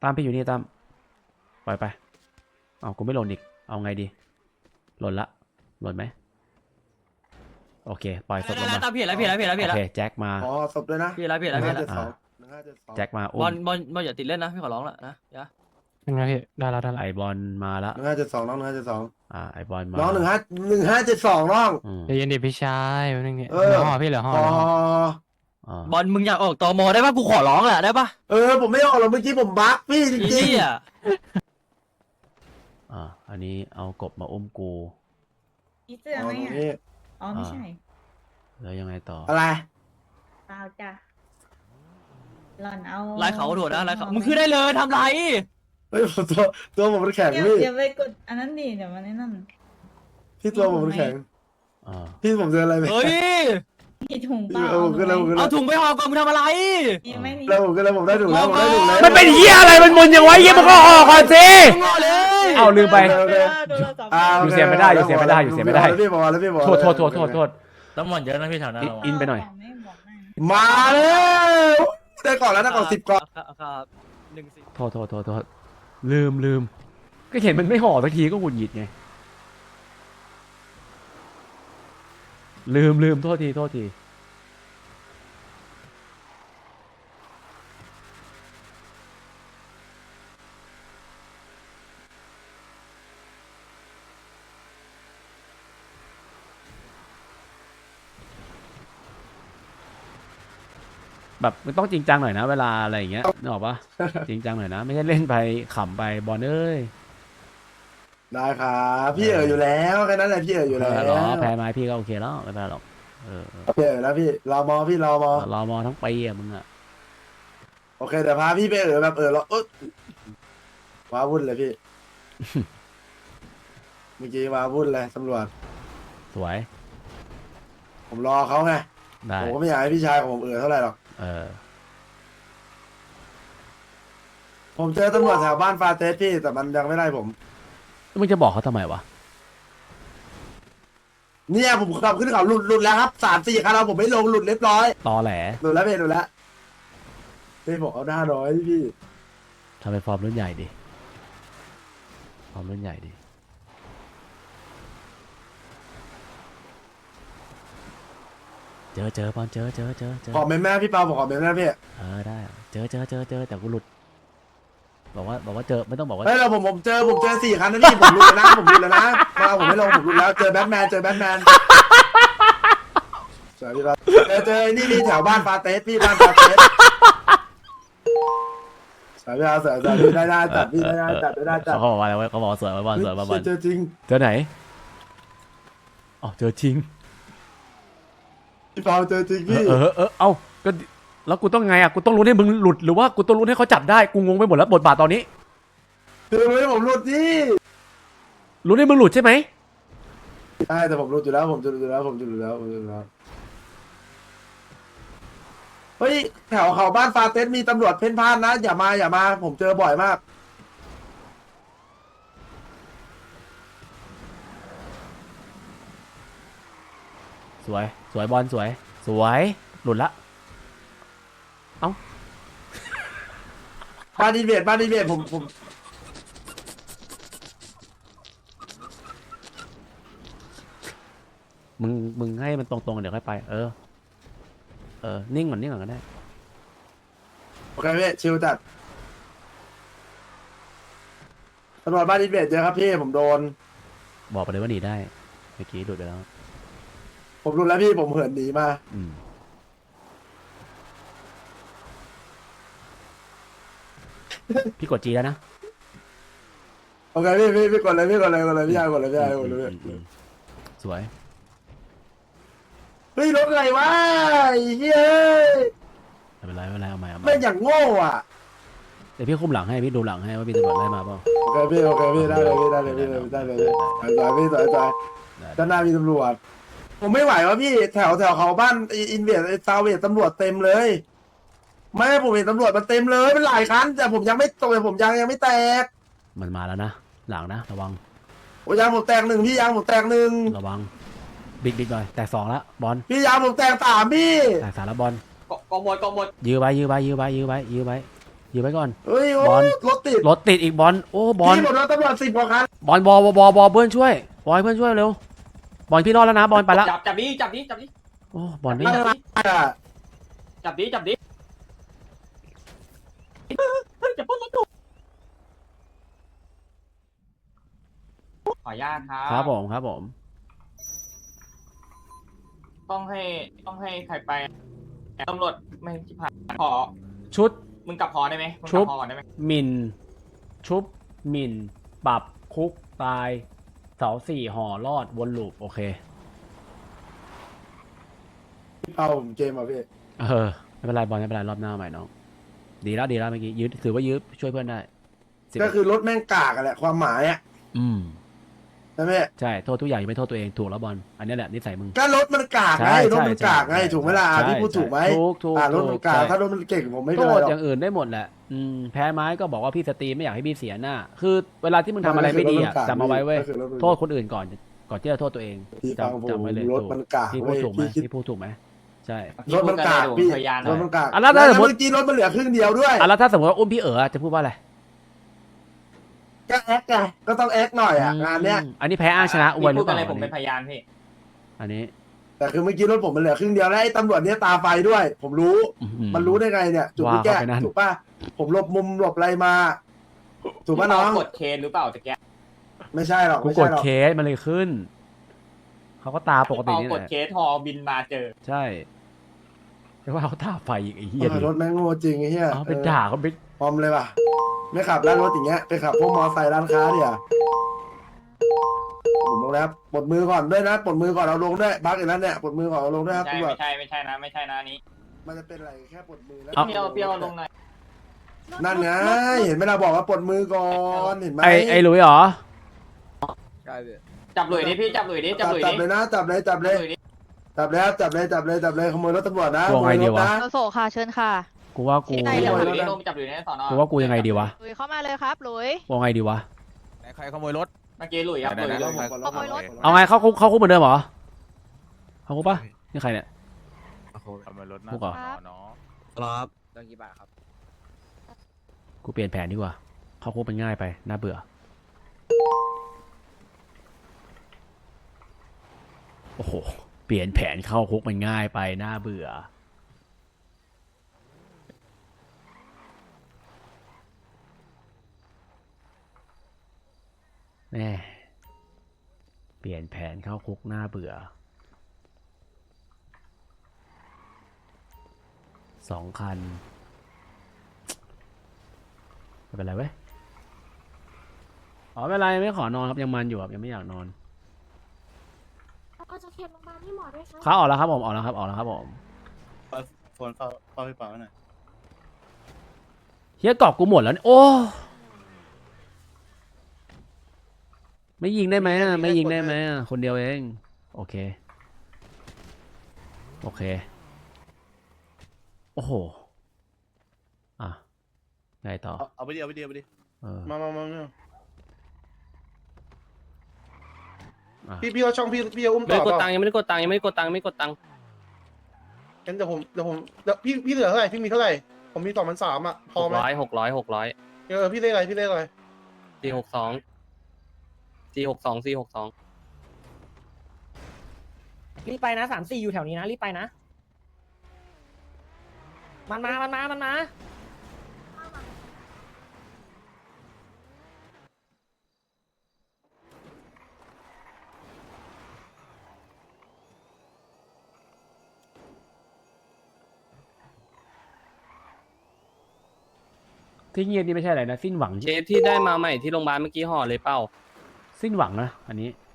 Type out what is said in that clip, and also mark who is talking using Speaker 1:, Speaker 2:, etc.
Speaker 1: ามพี่อยู่นี่ตามปล่อยไปเอากูไม่หล่นอีกเอาไงดีหล่นละหล่นไหมโอเคปล่อยศพลงมา
Speaker 2: ตามพี่แล้ว
Speaker 1: โอเคแจ็คมา
Speaker 3: อ๋อศพด้วยนะ
Speaker 2: พี่แล้ว
Speaker 1: แจ็คมา
Speaker 2: บอลอย่าติดเล่นนะพี่ขอร้องละนะอย่า
Speaker 4: ยังไงพี่ได้แล้ว
Speaker 1: ไอบอลมาละ
Speaker 3: 1572น้อง1572
Speaker 1: ไอบอลมา
Speaker 3: น้อง1572น้อง
Speaker 4: ใจเย็นดิพี่ชายนึงเนี่ย
Speaker 3: เออ
Speaker 4: เหลือห่อพี่เหลือห่อ
Speaker 2: บอลมึงอยากออกตมได้ปะกูขอร้องแหละได้ปะ
Speaker 3: ผมไม่ออกหรอกเมื่อกี้ผมบั๊กพี่จริง
Speaker 2: พี่อ่ะ
Speaker 1: อันนี้เอากบมาอุ้มกู
Speaker 5: มี
Speaker 3: ๆ
Speaker 5: เสื้อไหม
Speaker 3: ตรง
Speaker 5: อ่ะ
Speaker 3: นี้
Speaker 5: อ๋อไม่ใช่
Speaker 1: แล้วยังไงต่อ
Speaker 3: อะไร
Speaker 5: เปล่าจ้ะหล่อนเอา
Speaker 2: ไล่เขาโดดนะไล่เขามึงคือได้เลยทำไร
Speaker 3: เฮ้ยตัวผมมันแข็ง
Speaker 5: อย่า
Speaker 3: พี่
Speaker 5: อย่าไปกดอันนั้นดิเดี๋ยวมันนั่น
Speaker 3: พี่ตัวผมมันแข็ง
Speaker 1: อ่า
Speaker 3: พี่ผมเจออะไรไหม
Speaker 2: เฮ้ย
Speaker 5: มีถุงเปล่า
Speaker 3: ผมก็เลย
Speaker 2: เอาถุงไปห่อก่อนมึงทำอะไร
Speaker 5: มีไหมนี่
Speaker 3: แล้วผมได้ถูกแล้วผมได้ถูกแล้ว
Speaker 1: มันเป็นเหี้ยอะไรมันมึนยังไงเหี้ยมันก็ออกก่อนสิ
Speaker 2: มึงห่อเลย
Speaker 1: เอาลืมไป
Speaker 5: โทรศัพท์
Speaker 1: อยู่เสียไม่ได้อยู่เสียไม่ได้อยู่เสียไม่ได้
Speaker 3: แล้วพี่บอกแล้วพี่บอก
Speaker 1: โทษ
Speaker 2: ตำรวจเยอะนะพี่แถวนั้น
Speaker 1: อินไปหน่อย
Speaker 5: ไม่บอกนะ
Speaker 3: มาแล้วได้ก่อนแล้วได้ก่อน10ก่อน
Speaker 2: ครับ14
Speaker 1: โทษลืมก็เห็นมันไม่ห่อสักทีก็หงุดหงิดไงลืมโทษทีแบบมันต้องจริงจังหน่อยนะเวลาอะไรอย่างเงี้ยนึกออกปะ จริงจังหน่อยนะไม่ใช่เล่นไปขำไปบอลเอ้ย
Speaker 3: ได้ครับพี่อยู่แล้วแค่นั้นแหละพี่อยู่แล้ว
Speaker 1: เหรอแพ้ไม้พี่ก็โอเคแล้วไม่เป็นไรหรอก
Speaker 3: พี่แล้วพี่รอมอพี่รอมอ
Speaker 1: รอมอทั้งปีอะมึงอะ
Speaker 3: โอเคแต่พาพี่ไปแบบเราว้าวุ่นเลยพี่ เมื่อกี้ว้าวุ่นเลยตำรวจ
Speaker 1: สวย
Speaker 3: ผมรอเขาไง
Speaker 1: ได้
Speaker 3: ผมก็ไม่อยากให้พี่ชายของผมเท่าไหร่หรอก ผมเจอตำรวจแถวบ้านฟาเตสพี่แต่มันยังไม่ได้ผม
Speaker 1: มึงจะบอกเขาทำไมวะ
Speaker 3: เนี่ยผมขับขึ้นเขาหลุดแล้วครับ3-4คันเราผมไม่ลงหลุดเรียบร้อย
Speaker 1: ตอแหล
Speaker 3: หลุดแล้วพี่หลุดแล้วพี่บอกเอาหน้าน้อยพี่
Speaker 1: ทำเป็นฟอร์มรุ่นใหญ่ดิฟอร์มรุ่นใหญ่ดิเจอบอลเจอ
Speaker 3: ขอเมมแม่พี่เปาบอกขอเมมแม่พี่
Speaker 1: ได้เจอแต่กูหลุดบอกว่าเจอไม่ต้องบอกว่า
Speaker 3: เฮ้ยเราผมเจอ4คันนะพี่ผมหลุดแล้วนะผมหลุดแล้วนะมาผมไม่ลงผมหลุดแล้วเจอแบทแมนสวัสดีครับเจอนี่แถวบ้านฟาเตสพี่บ้านฟาเตสสวัสดีครับสวัสดีได้จัดพี่ได้จัด
Speaker 1: เขาบอกว่าอะไรวะเขาบอกสวยมาบอล
Speaker 3: เจอจริง
Speaker 1: เจอไหนอ๋อเจอจริง
Speaker 3: พี่เปาเจอจริงพี่
Speaker 1: เอ้าก็แล้วกูต้องไงอ่ะกูต้องรู้ให้มึงหลุดหรือว่ากูต้องรู้ให้เขาจับได้กูงงไปหมดแล้วบทบาทตอนนี้
Speaker 3: คือไม่ผมหลุดที่
Speaker 1: รู้ให้มึงหลุดใช่ไหม
Speaker 3: ใช่แต่ผมหลุดอยู่แล้วผมหลุดแล้วเฮ้ยแถวเขาบ้านฟาเตสมีตำรวจเพ่นพ่านนะอย่ามาผมเจอบ่อยมาก
Speaker 1: สวยบอลสวยหลุดละเอ้า
Speaker 3: บ้านดีเบียดผม
Speaker 1: มึงให้มันตรงๆเดี๋ยวค่อยไปนิ่งก่อนก็ได้
Speaker 3: โอเคพี่ชิลจัดตำรวจบ้านดีเบียดเจอครับพี่ผมโดน
Speaker 1: บอกไปเลยว่าหนีได้เมื่อกี้หลุดไปแล้ว
Speaker 3: ผมรู้แล้วพี่ผมเหินหนีมา
Speaker 1: พี่กดจีแล้วนะ
Speaker 3: โอเคพี่กดเลยพี่ยากดเลย
Speaker 1: สวย
Speaker 3: เฮ้ยรถอะไรวะไอ้เฮ้ย
Speaker 1: ไม่เป็นไรเอาใหม่
Speaker 3: ไม่อย่างโง่อ่ะ
Speaker 1: เดี๋ยวพี่คุมหลังให้พี่ดูหลังให้ว่ามีตำรวจไล่มาเปล่า
Speaker 3: โอเคพี่ได้เลยพี่ด้านหน้ามีตำรวจผมไม่ไหววะพี่แถวเขาบ้านอินเวียดซาเวียตำรวจเต็มเลยไม่ผมเห็นตำรวจมันเต็มเลยเป็นหลายคันแต่ผมยังไม่ตกผมยังไม่แตก
Speaker 1: มันมาแล้วนะหลังนะระวัง
Speaker 3: โอ้ยางผมแตก1พี่ยางผมแตก1
Speaker 1: ระวังบิ๊กหน่อยแตก2แล้วบอล
Speaker 3: พี่ยางผมแตก3พี่
Speaker 1: แตก3แล้วบอล
Speaker 2: กองหมด
Speaker 1: ยื้อไว้ยืมไว้ก่อน
Speaker 3: เฮ้ยโอ้
Speaker 1: บอล
Speaker 3: รถติด
Speaker 1: รถติดอีกบอลโอ้บอล
Speaker 3: พี่หมดรถตำรวจ10กว่าคัน
Speaker 1: บอลเพื่อนช่วยบอยเพื่อนช่วยเร็วบอลพี่รอดแล้วนะบอลไปละ
Speaker 2: จับดิจับดิจับดิ
Speaker 1: โอ้บอลไม่
Speaker 3: อะไรอ่ะ
Speaker 2: จับดิจับดิเฮ้ยจะปล้นรถกูขออนุญาตครับ
Speaker 1: ครับผม
Speaker 2: ต้องให้ใครไปตำรวจไม่ชิบหายขอ
Speaker 1: ชุด
Speaker 2: มึงกลับหอได้ไหมมึง
Speaker 1: ชุ
Speaker 2: กลั
Speaker 1: บ
Speaker 2: บหอก่อนได้ไหม
Speaker 1: หมิ่นชุบหมิ่นปรับคุกตายเสาสี่ห่อรอดวนลูปโอเค
Speaker 3: เอาผมเกมอ่ะพี่
Speaker 1: ไม่เป็นไรบอลไม่เป็นไรรอบหน้าใหม่น้องดีแล้วเมื่อกี้ยืดถือว่ายืดช่วยเพื่อนได้11
Speaker 3: ก็คือรถแม่งกากอะแหละความหมายอ่ะ
Speaker 1: อืม
Speaker 3: ใช่ไหม
Speaker 1: ใช่โทษทุกอย่างอย่าไปโทษตัวเองถูกแล้วบอลอันนี้แหละนิสัยมึง
Speaker 3: ก็รถมันกากไง
Speaker 1: ใช่
Speaker 3: รถมันกากไง
Speaker 1: ใช่
Speaker 3: ถูกไหมล่ะ
Speaker 1: ใช่
Speaker 3: พี่พูดถูกไหม
Speaker 1: ถูก
Speaker 3: รถมันกาก
Speaker 1: ใช่
Speaker 3: ถ้ารถมันเก่งผมไม่
Speaker 1: โท
Speaker 3: เป็นไร
Speaker 1: ษ
Speaker 3: หรอก
Speaker 1: อย่างอื่นได้หมดแหละแพ้ไม้ก็บอกว่าพี่สตรีมไม่อยากให้พี่เสียหน้า คือเวลาที่มึงทำอะไรไม่ดีอ่ะจำเอาไว้เว้ย
Speaker 3: ก็คือรถมัน
Speaker 1: โทษคนอื่นก่อนที่จะโทษตัวเอง
Speaker 3: พี่ฟังผม
Speaker 1: จำไว้เลย
Speaker 3: รถมันกาก
Speaker 1: พี่พู
Speaker 3: เว้
Speaker 1: ด
Speaker 3: ย
Speaker 1: ถูกไหม
Speaker 3: พี่คิด
Speaker 1: พี่พูดถูกไหมใช่
Speaker 3: รถมันกากพี่
Speaker 2: พยาน
Speaker 3: รถมันกาก
Speaker 1: อ่ะแล้วถ้าสมมุติ
Speaker 3: เมื่อกี้รถมันเหลือครึ่งเดียวด้วย
Speaker 1: แล้วถ้าสมมติว่าอุ้มพี่จะพูดว่าอะไร
Speaker 3: ก็แอคไงก็ต้องแอคหน่อยอ่ะงานเนี้ย
Speaker 1: อันนี้แพ้อ้างชนะอวยหรื
Speaker 2: พู
Speaker 1: อ
Speaker 2: ด
Speaker 1: เป
Speaker 2: อะไร
Speaker 1: ล่า
Speaker 2: ผมเป็นพยานพี่
Speaker 1: อันนี้
Speaker 3: แต่คือเมื่อกี้รถผมมันเหลือครึ่งเดียวแล้วไอ้ตำรวจเนี้ยตาไฟด้วย ผมรู้ มันรู้ได้ไงเนี่ยจุดที่แก้
Speaker 1: ว่าเข้าไปนั่น
Speaker 3: ถูกป่ะผมหลบมุมหลบอะไรมา ถูกป่ะน้อง
Speaker 2: กดเคนหรือเปล่าจะแก
Speaker 3: ไม่ใช่หรอก
Speaker 1: กู
Speaker 3: ไม่
Speaker 1: ก
Speaker 3: ใช่
Speaker 1: ด
Speaker 3: หรอก
Speaker 1: เคสมันเลยขึ้นเขาก็ตาปกตินี่
Speaker 2: ก
Speaker 1: แห
Speaker 2: ด
Speaker 1: ละ
Speaker 2: เคสฮอบินมาเจอ
Speaker 1: ใช่แต่ว่าเขาตาไฟอีกไอ้เหี้ย
Speaker 3: รถแม่งโง่จริงไอ้เหี้ย
Speaker 1: เอาไปด่าเขาไป
Speaker 3: พร้อมเลยป่ะไม่ขับร้านรถอย่างเงี้ยไปขับพวกมอไซค์ร้านค้าเดี๋ยวผมลงแล้วปลดมือก่อนด้วยนะปลดมือก่อนเอาลงด้วยบักอีกแล้วเนี่ยปลดมือก่อนเอาลงด้วยครับ
Speaker 2: ใช่
Speaker 3: ตำรวจ
Speaker 2: ไม่ใช่นะนี้
Speaker 3: มันจะเป็นอะไรแค่ปลดมือแล้ว
Speaker 2: เปรี้ยวลงหน่อย
Speaker 3: นั่นไงเห็นไหมเราบอกว่าปลดมือก่อนเห็นไหม
Speaker 1: ไอ้หลุยเหรอ
Speaker 2: จับหลุยดิพี่จับหลุยดิจับหลุย
Speaker 3: จั
Speaker 2: ดิ
Speaker 3: บเลยนะจับเลยจับเลย
Speaker 2: หลุยดิ
Speaker 3: จับแล้วจับเลยขโมยรถตำรวจนะข
Speaker 1: วง
Speaker 3: โม
Speaker 1: ไง
Speaker 3: ย
Speaker 1: ดี
Speaker 3: รถ
Speaker 1: วะ
Speaker 3: นะ
Speaker 5: โลโซค่ะเชิญค่ะ
Speaker 1: กูว่ากู
Speaker 5: ได้
Speaker 2: จับ
Speaker 5: เล
Speaker 2: หลุยดิลงจับหลุยในสอนอ
Speaker 1: กูว่ากูยังไงดีวะ
Speaker 5: หลุยเข้ามาเลยครับหลุย
Speaker 1: ว่าไงดีวะ
Speaker 6: ใครขโมยรถ
Speaker 2: เมื่อกี้หลุยครับหลุยลง
Speaker 5: ขโมยรถ
Speaker 1: เอาไงเข้าคุกเหมือนเดิมเหรอเข้าคุกปะนี่ใครเนี่ย
Speaker 6: ขโมยรถนะ
Speaker 1: พวกเหรอ
Speaker 6: เนาะ
Speaker 7: ครับเรื่องกี่บาทครับ
Speaker 1: กูเปลี่ยนแผนดีกว่าเข้าคุกมันง่ายไปน่าเบื่อโอ้โหเปลี่ยนแผนเข้าคุกมันง่ายไปน่าเบื่อแม่เปลี่ยนแผนเข้าคุกน่าเบื่อ2 คันไม่เป็นไรเว้ยอ๋อไม่เป็นไรไม่ขอนอนครับยังมันอยู่ครับยังไม่อยากนอน
Speaker 8: เอาจากเขตโรงพยาบาลที่หมอด้วยครับ
Speaker 1: เขาออกแล้วครับผมออกแล้วครับผม
Speaker 7: โฟนเฝ้าพี่เปาหน่อย
Speaker 1: เฮียกรอบกูหมดแล้วเนี่ยโอ้ไม่ยิงได้ไหมอ่ะไม่ยิงได้ไหมอ่ะคนเดียวเองโอเคโอ้โหอ่ะไงต่อ
Speaker 7: เอาไปดิเอาไปดิเอาไปดิ
Speaker 1: เออ
Speaker 3: มา
Speaker 1: อ่ะ
Speaker 3: พี่เอาช่องพี่เอาอุ้ม
Speaker 4: ไม่
Speaker 3: ต่
Speaker 4: ได้
Speaker 3: อก
Speaker 4: ด
Speaker 3: เป
Speaker 4: ตั
Speaker 3: ล่าง
Speaker 4: ค์ยังไม่ได้กดตังค์ยังไม่ได้กดตังค์
Speaker 3: งั้นเดี๋ยวพี่เหลือเท่าไหร่พี่มีเท่าไหร่ผมมี2,300อ่ะพอไหม
Speaker 4: 600
Speaker 3: พี่เลขอะไรพี่เลขอะไร
Speaker 4: 462
Speaker 9: รีบไปนะ3-4อยู่แถวนี้นะรีบไปนะ มันมา
Speaker 1: ที่เงียบนี่ไม่ใช่อะไรนะสิ้นหวัง
Speaker 4: เคสที่ได้มาใหม่ที่โรงพยาบาลเมื่อกี้ห่อเลยเป้า
Speaker 1: สิ้นหวังนะอันนี้